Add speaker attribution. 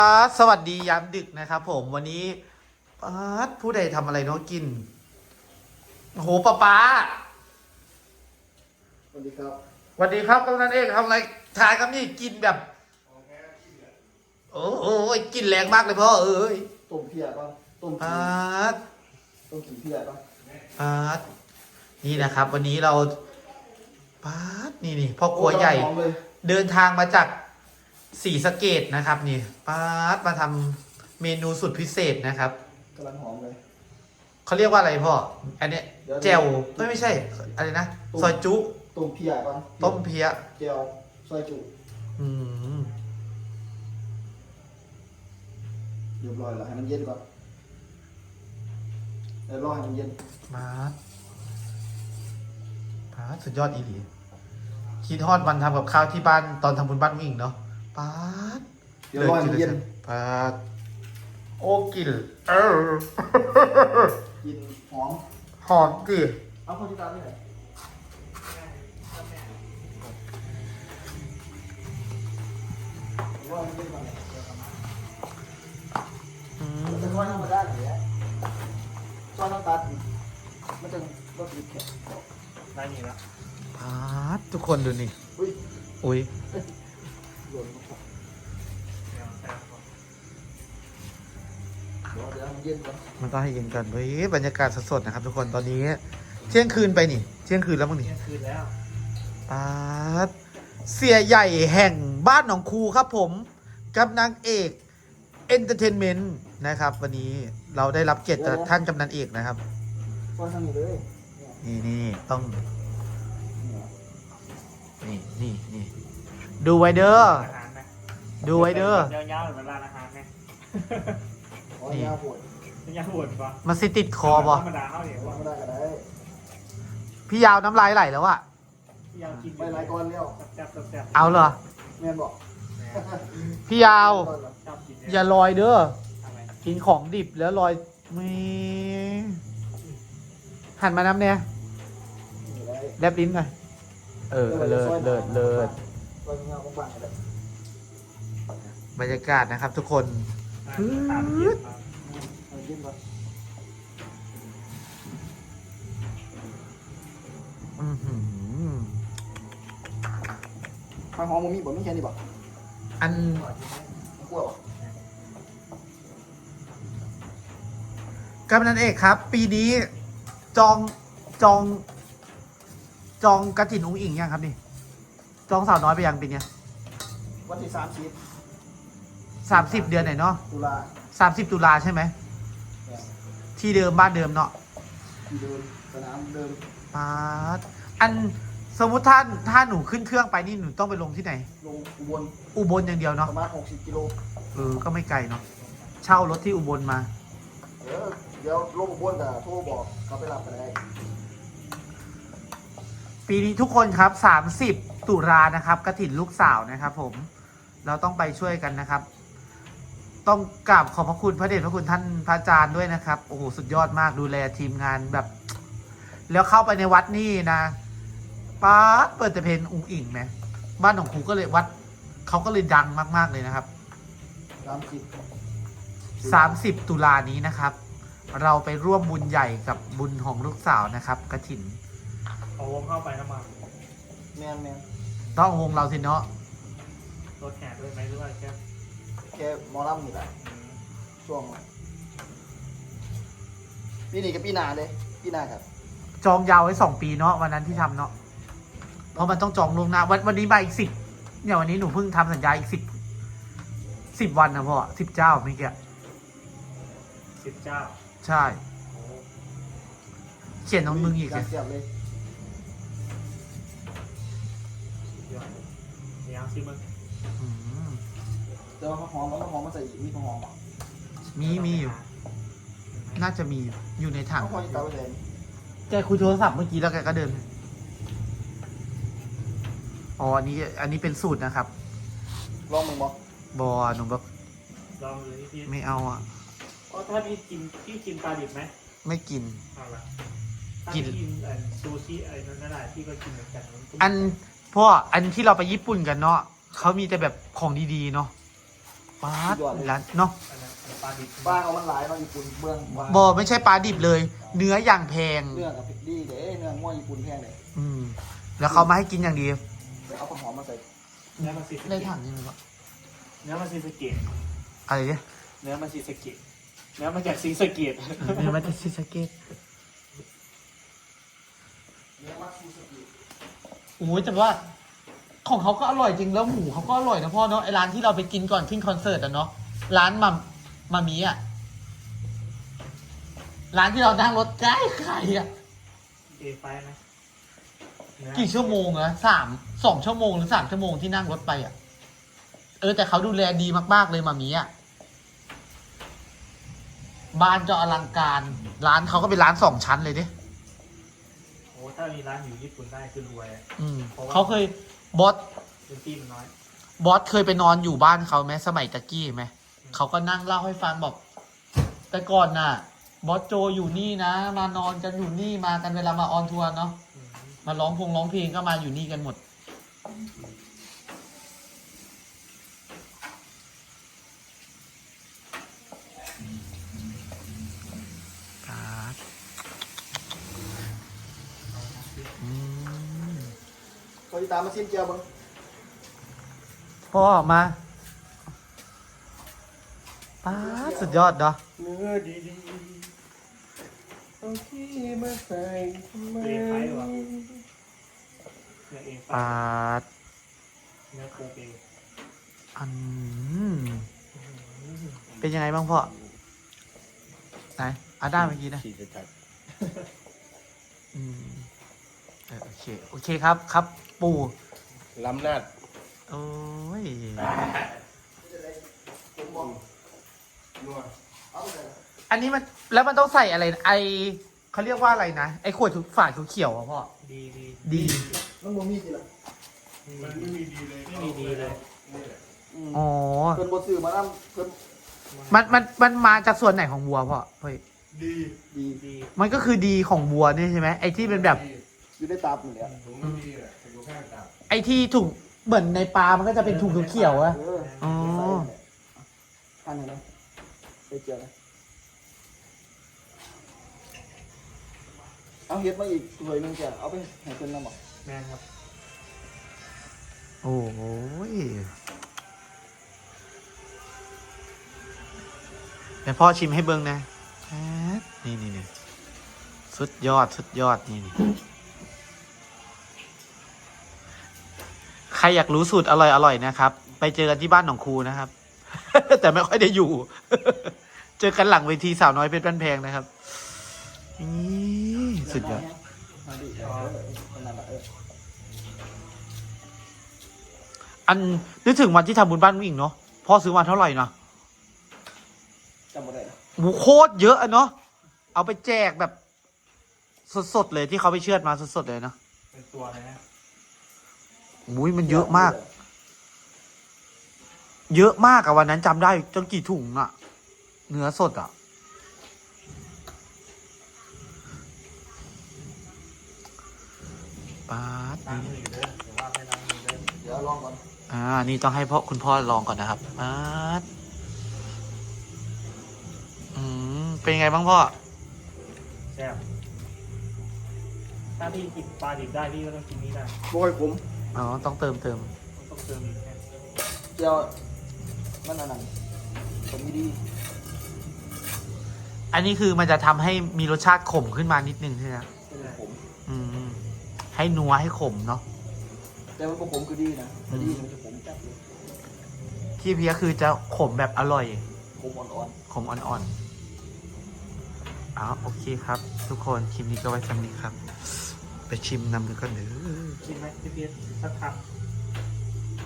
Speaker 1: สวัสดียามดึกนะครับผมวันนี้ผู้ใดทำอะไรน้องกินโอ้โหป้า
Speaker 2: สวัสดีครับ
Speaker 1: สวัสดีครับกำนันเอกทำอะไรถ่ายครับนี่กินแบบโอ้โหกินแรงมากเลยพ่อเอ้ย
Speaker 2: ต้มเพียป่ะต้มขี้เพียป่ะ
Speaker 1: นี่นะครับ วันนี้เรานี่พ่อครัวใหญ่เดินทางมาจากศรีสะเกษนะครับนี่มาทำเมนูสุดพิเศษนะครับ
Speaker 2: กำลังหอมเลย
Speaker 1: เขาเรียกว่าอะไรพ่ออันเนี้ยแจ่วไม่ใช่อะไรนะซอยจุ
Speaker 2: ต้มเพียป่ะ
Speaker 1: ต้มเพีย
Speaker 2: แจ่วซอยจุเรียบร้อยแล้วให้มันเย็นก่อนแล้วรอให้มันเย็น
Speaker 1: สุดยอดอีหลีคิดฮอดวันทำกับข้าวที่บ้านตอนทำบุญบ้านวิ่งเนาะ
Speaker 2: เดี๋ยวรอให้มันเย็น
Speaker 1: โอ้กิน
Speaker 2: กินหอม
Speaker 1: ดิ
Speaker 2: เอาคนที่ตามนี่ไหนรอให้มันเย็นก่อนจะทอดธรรมดาอย่างเงี้ยซอสน้ำตาลมันจะรสติดแข็งได้นี่แล้ว
Speaker 1: ทุกคนดูนี่อุ้ย
Speaker 2: เดี๋ยวเย็นก่อน
Speaker 1: มันต้องให้เย็นกันเฮ้ยบรรยากาศสดๆนะครับทุกคนตอนนี้เที่ยงคืนไปนี่เที่ยงคืนแล้วมั้งนี่
Speaker 2: เที่ยงคืนแล้ว
Speaker 1: เสียใหญ่แห่งบ้านหนองคูครับผมกับนางเอกเอนเตอร์เทนเมนต์นะครับวันนี้เราได้รับเกียรติจากท่านกำนันเอกนะครับ
Speaker 2: ก็ทำอยู่เลย
Speaker 1: นี่ต้องนี่ดูไว้เด้อดูไว้เด้
Speaker 3: อยาวๆเหมือนร้านอาหารไหม
Speaker 2: นี่ยาปวด
Speaker 3: ยาวปวดปะ
Speaker 1: มันสิติดคอป่ะ
Speaker 3: ธรรมดาเขาเนี่ยว่า
Speaker 2: ไม่ได้ก็ได้
Speaker 1: พี่ยาวน้ำลายไหลแล้วอะ
Speaker 3: พี่ยาวกิน
Speaker 2: ไปหลายก้อนแล้ว
Speaker 3: แซ่บ
Speaker 1: เอาเหรอ
Speaker 2: แม่บอก
Speaker 1: พี่ยาวอย่าลอยเด้อกินของดิบแล้วลอยไม่หันมาน้ำเนี่ยแลบลิ้นหน่อยเลิศบรรยากาศนะครับทุกคน
Speaker 2: ความหอมมันมีบ่มีแค่นี้บ่
Speaker 1: อันกำนันเอกครับปีนี้จองกระถิ่นอุ้งอิงยังครับนี่จองสาวน้อยไปยังปีเนี้ย
Speaker 2: วันที่
Speaker 1: 30เดือนไหนเนาะ
Speaker 2: ตุลา
Speaker 1: 30 ตุลาใช่ไหมที่เดิมบ้านเดิมเนาะ
Speaker 2: ที่เดิมสนามเดิม
Speaker 1: อันสมมุติถ้าหนูขึ้นเครื่องไปนี่หนูต้องไปลงที่ไหน
Speaker 2: ลง
Speaker 1: อุบลอย่างเดียวเนาะ
Speaker 2: ประมาณ60 กิโล
Speaker 1: ก็ไม่ไกลเนาะเช่ารถที่อุบลมา
Speaker 2: เดี๋ยวลงอุบลแต่โทรบอกเขาไปรับไปได้
Speaker 1: ปีนี้ทุกคนครับ30 ตุลานะครับกฐินลูกสาวนะครับผมเราต้องไปช่วยกันนะครับ ต้องกราบขอบพระคุณพระเดชพระคุณท่านพระอาจารย์ด้วยนะครับโอ้โหสุดยอดมากดูแลทีมงานแบบแล้วเข้าไปในวัดนี่นะเปิดแต่เพลงอุ้งอิงนะบ้านของครูก็เลยวัดเขาก็เลยดังมากๆเลยนะครับ30 ตุลานี้นะครับเราไปร่วมบุญใหญ่กับบุญของลูกสาวนะครับกฐิน
Speaker 3: เอาวงเข้าไปน้ำมัน
Speaker 2: แม่
Speaker 1: ต้องวงเราสิเนาะ
Speaker 3: รถแห่ด้วยไหมหรือว่า
Speaker 2: แค่มอลล์นี่แหละช่วงปีนี้กับปีหน้าเลยปีหน้าครับ
Speaker 1: จองยาวไว้2 ปีเนาะวันนั้นที่ทำเนาะเพราะมันต้องจองล่วงหน้าวันนี้มาอีก10เนี่ยวันนี้หนูเพิ่งทำสัญญาอีก10 วันนะพ่อ10 เจ้าไม่เกี่ย
Speaker 3: 10 เจ้า
Speaker 1: ใช่เขียนน้องมึงอีก
Speaker 2: เลย
Speaker 3: ยังซิมึง
Speaker 2: เดี๋ยวหอมมาใส่อีกมีหอม
Speaker 1: มีอยู่น่าจะมีอยู่ในถังแกคุยโทรศัพท์เมื่อกี้แล้วแกก็เดินอันนี้เป็นสูตรนะครับ
Speaker 2: ลองมึงบอก
Speaker 1: หนูบอก
Speaker 3: ลองเลยพี่
Speaker 1: ไม่เอา
Speaker 3: ถ้าพี่กินปลาดิบไหม
Speaker 1: ไม่กิน
Speaker 3: กินซูชิอะไรนั่นแหละพี่ก็กินเหมือนกัน
Speaker 1: อันที่เราไปญี่ปุ่นกันเนาะเขามีแต่แบบของดีๆเนาะปลาร้านเนาะ
Speaker 3: อันนั้นปลาดิบ
Speaker 2: ปลาเขามันหลายเนาะญี่ปุ่นเบื้องปลา
Speaker 1: บอไม่ใช่ปลาดิบเลย เนื้ออย่างแพง
Speaker 2: เนื้อกับดีเด้เนื้อง่วญี่ปุ่นแพงเลย
Speaker 1: อืมแล้วเขามาให้กินอย่างดี
Speaker 2: ไปเอาผักหอมมาใส่
Speaker 3: เนื้อมันซีส
Speaker 1: ได้
Speaker 3: เกะ
Speaker 1: ถังนี่มั้ย
Speaker 3: เนื้อมันซีสเกะ
Speaker 1: อะไรเนี่ย
Speaker 3: เนื้อมันซีสเกตเนื้อมาจากซีสเกต
Speaker 1: เนื้อมันจะซิสเกต
Speaker 2: เนื้อมัตสึสกิ
Speaker 1: โอ้ยแต่ว่าของเขาก็อร่อยจริงแล้วหมูเขาก็อร่อยนะพ่อเนาะไอร้านที่เราไปกินก่อนขึ้นคอนเสิร์ตอะเนาะร้านมามีอะร้านที่เรานั่งรถใกล้ใครอะ
Speaker 3: เอไฟไหมเนื้อ
Speaker 1: กี่ชั่วโมงอะ2 ชั่วโมงหรือ3 ชั่วโมงที่นั่งรถไปอะแต่เขาดูแลดีมากๆเลยมามีอะบ้านจะอลังการร้านเขาก็เป็นร้าน2 ชั้นเลยดิ
Speaker 3: โอ้ถ้ามีร้านอยู่ญี่ปุ่นได้คือรวยอะ
Speaker 1: เขาเคยบอส
Speaker 3: พื้นที่มันน้อย
Speaker 1: บอสเคยไปนอนอยู่บ้านเขาไหมสมัยตะกี้ไหมเขาก็นั่งเล่าให้ฟังบอกแต่ก่อนน่ะ บอสโจอยู่นี่นะมานอนกันอยู่นี่มากันเวลามาออนทัวร์เนาะ
Speaker 3: อืม
Speaker 1: มาร้องเพลงก็มาอยู่นี่กันหมดครับอืม
Speaker 2: เขาจะตามมาซิมเจียวบ้าง
Speaker 1: พ่อมาป้าดสุดยอดเนาะ
Speaker 2: เนื้อดีๆเอาที่มาใส่ทำไม
Speaker 3: เอไฟหรอเนื้อเอไฟ
Speaker 1: ป้าด
Speaker 3: เนื้อโคเป
Speaker 1: อันเป็นยังไงบ้างพ่อไหนอาด้าเมื่อกี้นะ
Speaker 2: ฉีดจัด
Speaker 1: อืมโอเคครับครับ ปู่
Speaker 2: ล้ำนาด
Speaker 1: โอ้ย
Speaker 2: ผมมองนัวเอาเลย
Speaker 1: อันนี้มันแล้วมันต้องใส่อะไรนะเขาเรียกว่าอะไรนะไอขวดฝาเขียวๆอ่ะพ่อ
Speaker 3: ดี
Speaker 1: ดี
Speaker 2: มันบ่มีสิล่ะ
Speaker 3: มันไม่มีดีเลย ไม่มีดีเลย
Speaker 1: อ๋อ
Speaker 2: เพิ่นบ่ซื้อมานำเพิ่น
Speaker 1: มันมาจากส่วนไหนของวัวพ่อเฮ้ย
Speaker 2: ดี
Speaker 3: ดี
Speaker 1: มันก็คือดีของวัวนี่ใช่ไหมไอที่เป็นแบบ
Speaker 2: อยู่ในตับนี่แหละ
Speaker 1: ไอที่ถุงเหมือนในปลามันก็จะเป็นถุงเขียวๆอะ อ๋อ
Speaker 2: ทานไหนไปเจียวนะเอาเฮ็ดมาอีกถ้วยหนึงจ้ะเอาไปให้เพิ่นนำบ่
Speaker 3: แม่นครับ
Speaker 1: โอ้ยเดี๋ยวพ่อชิมให้เบิ้งนะนี่สุดยอดนี่ใครอยากรู้สูตรอร่อยนะครับ ไปเจอกันที่บ้านหนองครูนะครับ แต่ไม่ค่อยได้อยู่ เจอกันหลังเวทีสาวน้อยเพชรบ้านแพงนะครับนี่สุดยอด
Speaker 2: มาดินั่นล่ะ
Speaker 1: อันนึกถึงวันที่ทำบุญบ้านผู้หญิงเนาะพ่อซื้อมาเท่าไหร่นะ
Speaker 2: จำบ่ได้นะ
Speaker 1: หมูโคตรเยอะอะเนาะเอาไปแจกแบบสดๆเลยที่เขาไปเชือดมาสดๆเลยเนาะ
Speaker 3: เป็นตัวเลยนะ
Speaker 1: มุ้ยมันเยอะมาก เยอะมากอะวันนั้นจำได้จนกี่ถุงอะเนื้อสดอะป๊าด
Speaker 3: ล้างมืออยู่เด้อหรือว่าไม่ล้างมือเด้อ
Speaker 2: เดี๋ยวลองก่อน
Speaker 1: นี่ต้องให้คุณพ่อลองก่อนนะครับป๊าดเป็นไงบ้างพ่อ
Speaker 3: แซ่บถ้าพี่กินปลาดิบได้พี่ก็ต้องกินนี้ได้
Speaker 2: บ่ค่อยขม
Speaker 1: อ๋อต้องเติม
Speaker 3: ต้องเติมอีกแค่
Speaker 2: เจียวมันอันนั้นผมมีดี
Speaker 1: อันนี้คือมันจะทำให้มีรสชาติขมขึ้นมานิดนึงใช่ไหม
Speaker 2: เป็นผม
Speaker 1: ให้นัวให้ขมเนาะ
Speaker 2: แต่มันบ่ขมคือดีนะแต่ดีมันจะขมจัดเลย
Speaker 1: ที่เพียคือจะขมแบบอร่อย
Speaker 2: ขมอ่อน
Speaker 1: ขมอ่อนๆโอเคครับ ทุกคนคลิปนี้ก็ไว้สำหรับนี้ครับ ไปชิมนำกันก่อนเด้อ
Speaker 3: กินไหมพี่เพียรสักคำ